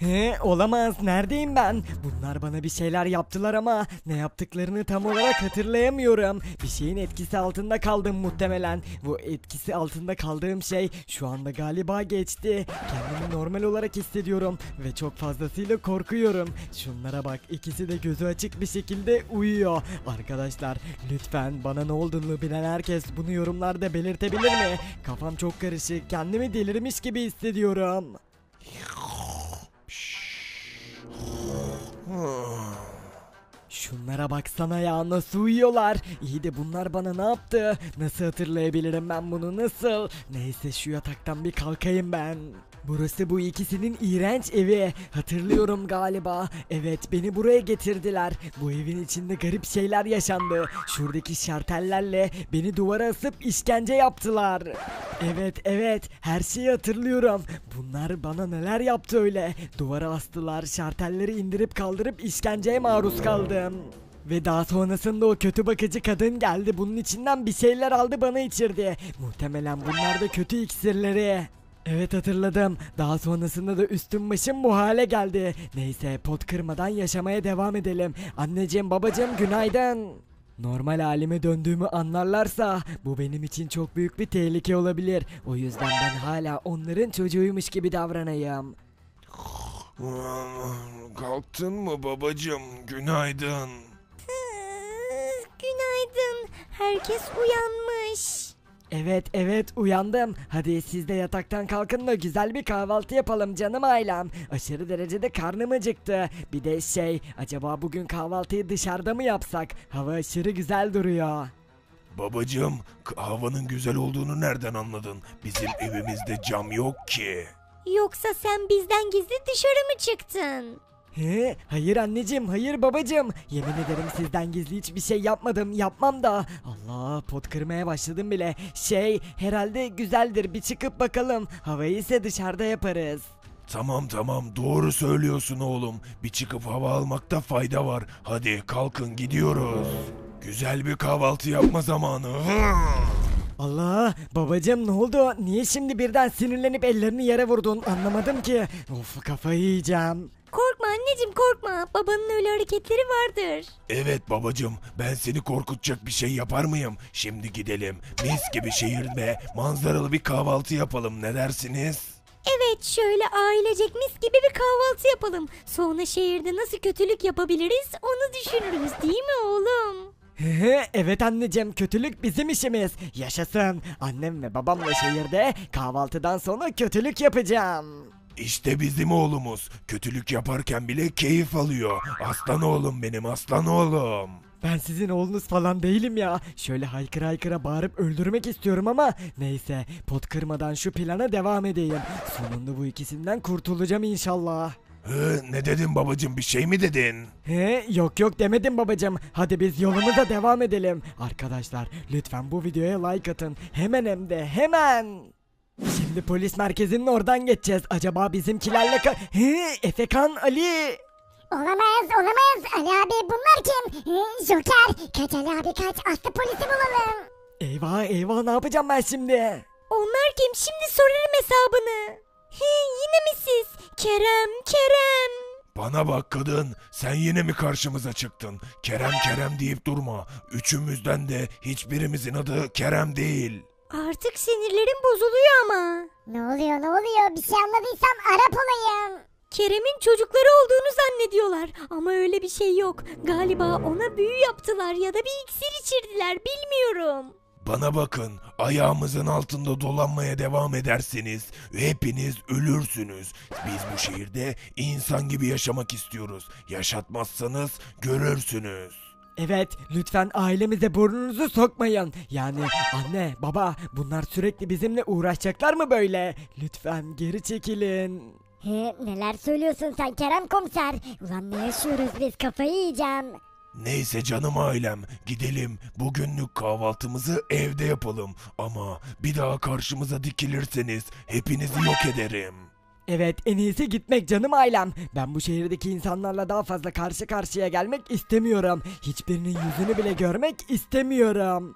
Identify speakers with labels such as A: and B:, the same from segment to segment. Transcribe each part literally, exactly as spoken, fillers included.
A: He, olamaz. Neredeyim ben? Bunlar bana bir şeyler yaptılar ama ne yaptıklarını tam olarak hatırlayamıyorum. Bir şeyin etkisi altında kaldım muhtemelen. Bu etkisi altında kaldığım şey şu anda galiba geçti. Kendimi normal olarak hissediyorum ve çok fazlasıyla korkuyorum. Şunlara bak, ikisi de gözü açık bir şekilde uyuyor. Arkadaşlar lütfen bana ne olduğunu bilen herkes bunu yorumlarda belirtebilir mi? Kafam çok karışık. Kendimi delirmiş gibi hissediyorum. Şunlara baksana ya, nasıl uyuyorlar. İyi de bunlar bana ne yaptı? Nasıl hatırlayabilirim ben bunu, nasıl? Neyse, şu yataktan bir kalkayım ben. Burası bu ikisinin iğrenç evi. Hatırlıyorum galiba. Evet, beni buraya getirdiler. Bu evin içinde garip şeyler yaşandı. Şuradaki şartellerle beni duvara asıp işkence yaptılar. Evet evet, her şeyi hatırlıyorum. Bunlar bana neler yaptı öyle. Duvara astılar, şartelleri indirip kaldırıp işkenceye maruz kaldım. Ve daha sonrasında o kötü bakıcı kadın geldi. Bunun içinden bir şeyler aldı, bana içirdi. Muhtemelen bunlar da kötü iksirleri. Evet, hatırladım. Daha sonrasında da üstüm başım bu hale geldi. Neyse, pot kırmadan yaşamaya devam edelim. Anneciğim, babacığım, günaydın. Normal halime döndüğümü anlarlarsa bu benim için çok büyük bir tehlike olabilir. O yüzden ben hala onların çocuğuymuş gibi davranayım.
B: Kalktın mı babacığım? Günaydın.
C: Günaydın. Herkes uyanmış.
A: Evet evet, uyandım. Hadi siz de yataktan kalkın da güzel bir kahvaltı yapalım canım ailem. Aşırı derecede karnım acıktı. Bir de şey, acaba bugün kahvaltıyı dışarıda mı yapsak? Hava aşırı güzel duruyor.
B: Babacığım, k- havanın güzel olduğunu nereden anladın? Bizim evimizde cam yok ki.
C: Yoksa sen bizden gizli dışarı mı çıktın?
A: He, hayır anneciğim, hayır babacığım. Yemin ederim sizden gizli hiçbir şey yapmadım, yapmam da. Allah, pot kırmaya başladım bile. Şey, herhalde güzeldir, bir çıkıp bakalım. Havayı ise dışarıda yaparız.
B: Tamam tamam, doğru söylüyorsun oğlum. Bir çıkıp hava almakta fayda var. Hadi kalkın, gidiyoruz. Güzel bir kahvaltı yapma zamanı.
A: Allah, babacığım ne oldu? Niye şimdi birden sinirlenip ellerini yere vurdun? Anlamadım ki. Of, kafayı yiyeceğim.
C: Korkma anneciğim, korkma. Babanın öyle hareketleri vardır.
B: Evet babacığım, ben seni korkutacak bir şey yapar mıyım? Şimdi gidelim. Mis gibi şehirde manzaralı bir kahvaltı yapalım, ne dersiniz?
C: Evet, şöyle ailecek mis gibi bir kahvaltı yapalım. Sonra şehirde nasıl kötülük yapabiliriz onu düşünürüz, değil mi oğlum?
A: Hehe, evet anneciğim, kötülük bizim işimiz. Yaşasın. Annem ve babamla şehirde kahvaltıdan sonra kötülük yapacağım.
B: İşte bizim oğlumuz. Kötülük yaparken bile keyif alıyor. Aslan oğlum benim, aslan oğlum.
A: Ben sizin oğlunuz falan değilim ya. Şöyle haykıra haykıra bağırıp öldürmek istiyorum ama neyse, pot kırmadan şu plana devam edeyim. Sonunda bu ikisinden kurtulacağım inşallah.
B: Hı, ne dedin babacığım, bir şey mi dedin?
A: He, yok yok demedim babacığım. Hadi biz yolumuza devam edelim. Arkadaşlar lütfen bu videoya like atın. Hemen, hem de hemen. Şimdi polis merkezinin oradan geçeceğiz. Acaba bizimkilerle ka... He, Efekan, Ali.
D: Olamaz, olamaz. Ali abi, bunlar kim? Ee, Joker. Kaç Ali abi, kaç. Aslı polisi bulalım.
A: Eyvah eyvah, ne yapacağım ben şimdi?
C: Onlar kim? Şimdi sorarım hesabını. He, yine mi siz? Kerem, Kerem.
B: Bana bak kadın, sen yine mi karşımıza çıktın? Kerem Kerem deyip durma. Üçümüzden de hiçbirimizin adı Kerem değil.
C: Artık sinirlerim bozuluyor ama.
D: Ne oluyor, ne oluyor? Bir şey anladıysam Arap olayım.
C: Kerem'in çocukları olduğunu zannediyorlar ama öyle bir şey yok. Galiba ona büyü yaptılar ya da bir iksir içirdiler, bilmiyorum.
B: Bana bakın, ayağımızın altında dolanmaya devam ederseniz hepiniz ölürsünüz. Biz bu şehirde insan gibi yaşamak istiyoruz. Yaşatmazsanız görürsünüz.
A: Evet, lütfen ailemize burnunuzu sokmayın. Yani anne, baba, bunlar sürekli bizimle uğraşacaklar mı böyle? Lütfen geri çekilin.
D: He, neler söylüyorsun sen Kerem komiser? Ulan ne yaşıyoruz biz, kafayı yiyeceğim.
B: Neyse canım ailem, gidelim bugünlük kahvaltımızı evde yapalım. Ama bir daha karşımıza dikilirseniz hepinizi yok ederim.
A: Evet, en iyisi gitmek canım ailem. Ben bu şehirdeki insanlarla daha fazla karşı karşıya gelmek istemiyorum. Hiçbirinin yüzünü bile görmek istemiyorum.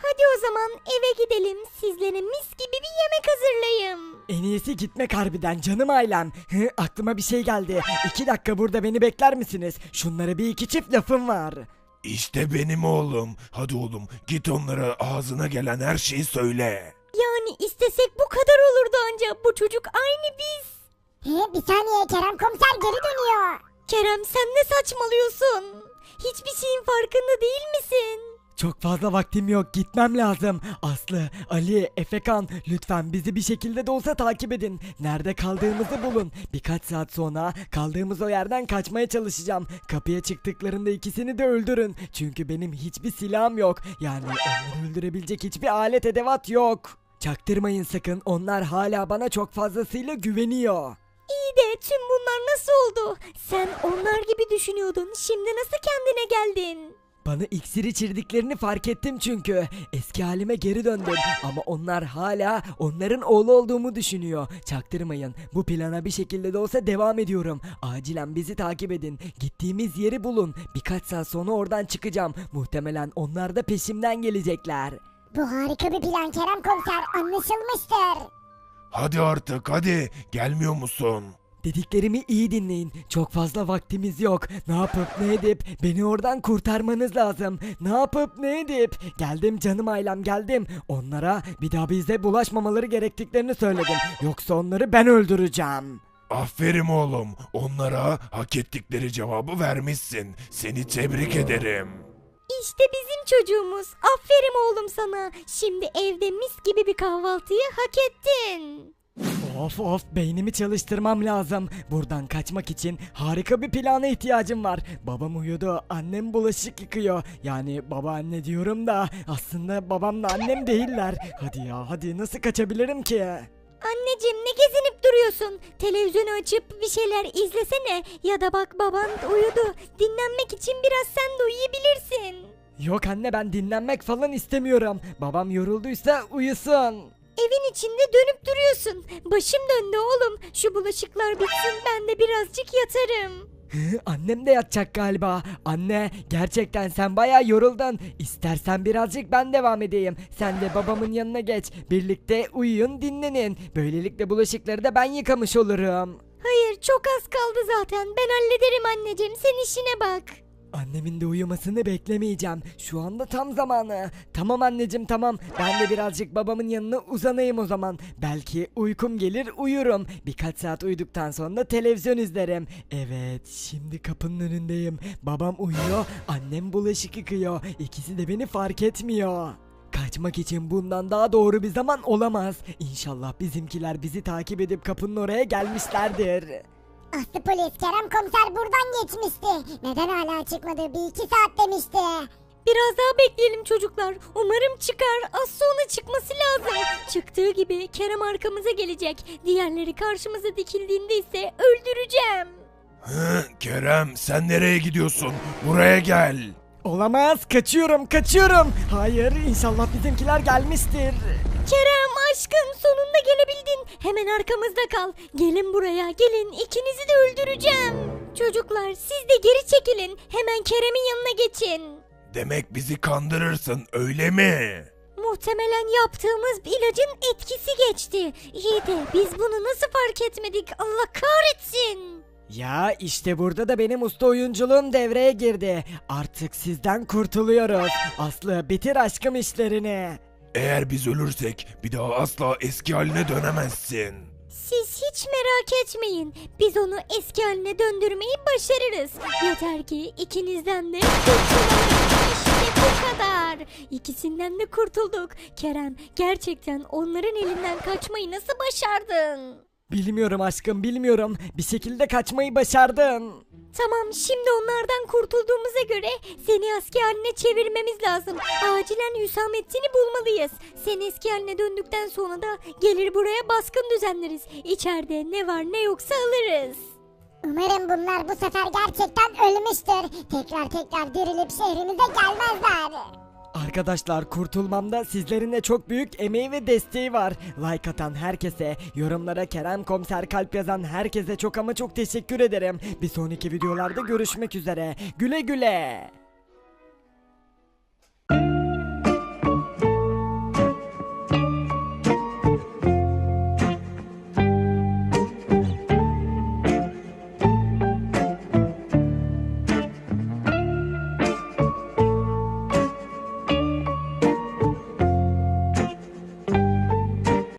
C: Hadi o zaman eve gidelim. Sizlere mis gibi bir yemek hazırlayayım.
A: En iyisi gitmek harbiden canım ailem. Hı, aklıma bir şey geldi. İki dakika burada beni bekler misiniz? Şunlara bir iki çift lafım var.
B: İşte benim oğlum. Hadi oğlum git onlara ağzına gelen her şeyi söyle.
C: Yani istesek bu kadar olurdu anca. Bu çocuk aynı biz.
D: He, bir saniye Kerem komiser geri dönüyor.
C: Kerem sen ne saçmalıyorsun? Hiçbir şeyin farkında değil misin?
A: Çok fazla vaktim yok, gitmem lazım. Aslı, Ali, Efekan, lütfen bizi bir şekilde de olsa takip edin. Nerede kaldığımızı bulun. Birkaç saat sonra kaldığımız o yerden kaçmaya çalışacağım. Kapıya çıktıklarında ikisini de öldürün. Çünkü benim hiçbir silahım yok. Yani onları öldürebilecek hiçbir alet edevat yok. Çaktırmayın sakın, onlar hala bana çok fazlasıyla güveniyor.
C: İyi de tüm bunlar nasıl oldu? Sen onlar gibi düşünüyordun. Şimdi nasıl kendine geldin?
A: Bana iksir içirdiklerini fark ettim çünkü. Eski halime geri döndüm ama onlar hala onların oğlu olduğumu düşünüyor. Çaktırmayın. Bu plana bir şekilde de olsa devam ediyorum. Acilen bizi takip edin. Gittiğimiz yeri bulun. Birkaç saat sonra oradan çıkacağım. Muhtemelen onlar da peşimden gelecekler.
D: Bu harika bir plan Kerem komiser, anlaşılmıştır.
B: Hadi artık hadi. Gelmiyor musun?
A: Dediklerimi iyi dinleyin. Çok fazla vaktimiz yok. Ne yapıp ne edip beni oradan kurtarmanız lazım. Ne yapıp ne edip. Geldim canım ailem, geldim. Onlara bir daha bize bulaşmamaları gerektiklerini söyledim. Yoksa onları ben öldüreceğim.
B: Aferin oğlum. Onlara hak ettikleri cevabı vermişsin. Seni tebrik ederim.
C: İşte bizim çocuğumuz. Aferin oğlum sana. Şimdi evde mis gibi bir kahvaltıyı hak ettin.
A: Of of, beynimi çalıştırmam lazım. Buradan kaçmak için harika bir plana ihtiyacım var. Babam uyudu, annem bulaşık yıkıyor. Yani babaanne diyorum da aslında babamla annem değiller. Hadi ya hadi, nasıl kaçabilirim ki?
C: Anneciğim ne gezinip duruyorsun? Televizyonu açıp bir şeyler izlesene. Ya da bak baban uyudu. Dinlenmek için biraz sen de uyuyabilirsin.
A: Yok anne, ben dinlenmek falan istemiyorum. Babam yorulduysa uyusun.
C: Evin içinde dönüp duruyorsun. Başım döndü oğlum. Şu bulaşıklar bitsin ben de birazcık yatarım.
A: Hı, annem de yatacak galiba. Anne, gerçekten sen bayağı yoruldun. İstersen birazcık ben devam edeyim. Sen de babamın yanına geç. Birlikte uyuyun, dinlenin. Böylelikle bulaşıkları da ben yıkamış olurum.
C: Hayır çok az kaldı zaten. Ben hallederim anneciğim. Sen işine bak.
A: Annemin de uyumasını beklemeyeceğim. Şu anda tam zamanı. Tamam anneciğim, tamam. Ben de birazcık babamın yanına uzanayım o zaman. Belki uykum gelir, uyurum. Birkaç saat uyuduktan sonra televizyon izlerim. Evet, şimdi kapının önündeyim. Babam uyuyor, annem bulaşık yıkıyor. İkisi de beni fark etmiyor. Kaçmak için bundan daha doğru bir zaman olamaz. İnşallah bizimkiler bizi takip edip kapının oraya gelmişlerdir.
D: Aslı polis Kerem komiser buradan geçmişti. Neden hala çıkmadı? Bir iki saat demişti.
C: Biraz daha bekleyelim çocuklar. Umarım çıkar. Az sonra çıkması lazım. Çıktığı gibi Kerem arkamıza gelecek. Diğerleri karşımıza dikildiğinde ise öldüreceğim.
B: Hı, Kerem sen nereye gidiyorsun? Buraya gel.
A: Olamaz, kaçıyorum kaçıyorum. Hayır, inşallah bizimkiler gelmiştir.
C: Kerem aşkım sonunda gelebildin. Hemen arkamızda kal. Gelin buraya gelin. İkinizi de öldüreceğim. Çocuklar siz de geri çekilin. Hemen Kerem'in yanına geçin.
B: Demek bizi kandırırsın öyle mi?
C: Muhtemelen yaptığımız ilacın etkisi geçti. İyi de biz bunu nasıl fark etmedik? Allah kahretsin.
A: Ya işte burada da benim usta oyunculuğum devreye girdi. Artık sizden kurtuluyoruz. Aslı, bitir aşkım işlerini.
B: Eğer biz ölürsek bir daha asla eski haline dönemezsin.
C: Siz hiç merak etmeyin. Biz onu eski haline döndürmeyi başarırız. Yeter ki ikinizden de kurtulalım. İşte bu kadar. İkisinden de kurtulduk. Kerem, gerçekten onların elinden kaçmayı nasıl başardın?
A: Bilmiyorum aşkım, bilmiyorum. Bir şekilde kaçmayı başardın.
C: Tamam, şimdi onlardan kurtulduğumuza göre seni eski haline çevirmemiz lazım. Acilen Hüsamettin'i bulmalıyız. Sen eski haline döndükten sonra da gelir buraya baskın düzenleriz. İçeride ne var ne yoksa alırız.
D: Umarım bunlar bu sefer gerçekten ölmüştür. Tekrar tekrar dirilip şehrimize gelmezler.
A: Arkadaşlar, kurtulmamda sizlerin de çok büyük emeği ve desteği var. Like atan herkese, yorumlara Kerem Komiser kalp yazan herkese çok ama çok teşekkür ederim. Bir sonraki videolarda görüşmek üzere. Güle güle.